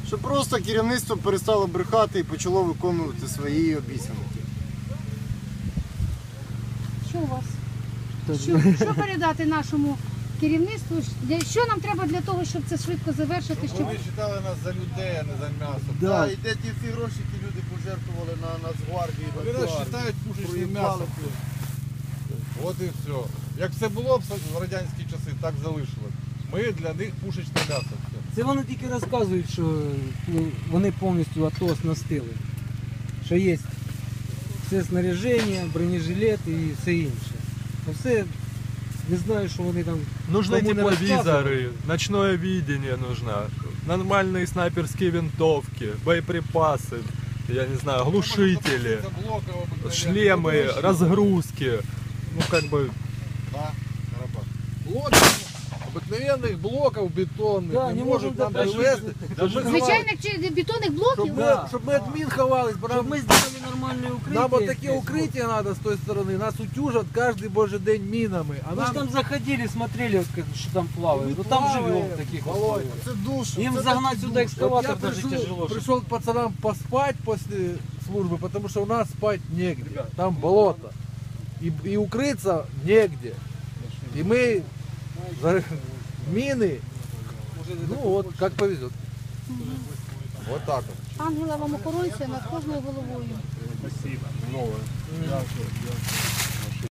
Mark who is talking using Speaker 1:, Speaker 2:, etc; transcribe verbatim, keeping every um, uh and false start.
Speaker 1: Щоб просто керівництво перестало брехати і почало виконувати свої обіцянки.
Speaker 2: Що у вас? Що, що передати нашому керівництву? Що нам треба для того, щоб це швидко завершити? Щоб...
Speaker 3: Вони вважали нас за людей, а не за м'ясо.
Speaker 1: Да.
Speaker 4: Да, і де ті всі гроші, які люди пожертвували на Нацгвардію.
Speaker 3: Вони нас вважають пушечним м'ясом. От і все. Як все було в радянські часи, так залишилось. Ми для них пушечне м'ясо.
Speaker 5: Це вони тільки розказують, що ну, вони повністю АТО оснастили. Що є все снаряження, бронежилет і все інше. А все, не знаю, що вони там...
Speaker 6: Нужны
Speaker 5: кому не
Speaker 6: тепловизоры, ночное видение нужно, нормальные снайперские винтовки, боеприпасы, я не знаю, глушители, шлемы, разгрузки. Ну как бы...
Speaker 3: Да, блоки, обикновенних блоків бетонних
Speaker 5: Да,
Speaker 3: не
Speaker 5: не
Speaker 3: можуть
Speaker 5: можуть
Speaker 3: нам привезти. Щоб ми
Speaker 2: Звичайних чи бетонних блоків?
Speaker 3: Щоб ми,
Speaker 5: Да.
Speaker 3: щоб ми від мін ховались, бо
Speaker 5: Щоб
Speaker 3: нам,
Speaker 5: ми зробили нормальне укриття.
Speaker 3: нам от таке укриття треба з тої сторони, нас утюжать кожен божий день мінами. А
Speaker 5: Мы же
Speaker 3: нам
Speaker 5: там заходили, смотрели, как, что там плавает.
Speaker 3: Мы
Speaker 5: Ну там
Speaker 3: плаваем,
Speaker 5: живем в таких
Speaker 3: Володя.
Speaker 5: условиях.
Speaker 1: Це душ.
Speaker 5: Им
Speaker 1: це
Speaker 5: загнать
Speaker 1: такий
Speaker 5: сюда
Speaker 1: душ.
Speaker 3: Вот я
Speaker 5: экскаватор даже
Speaker 3: пришел,
Speaker 5: тяжело.
Speaker 3: пришел к пацанам поспать после службы, потому что у нас спать негде. Там болото. И, и укрыться негде. И мы за мины, ну вот, как повезет. Вот так вот.
Speaker 2: Ангела вам охоронця над кожною головою.
Speaker 3: Новое.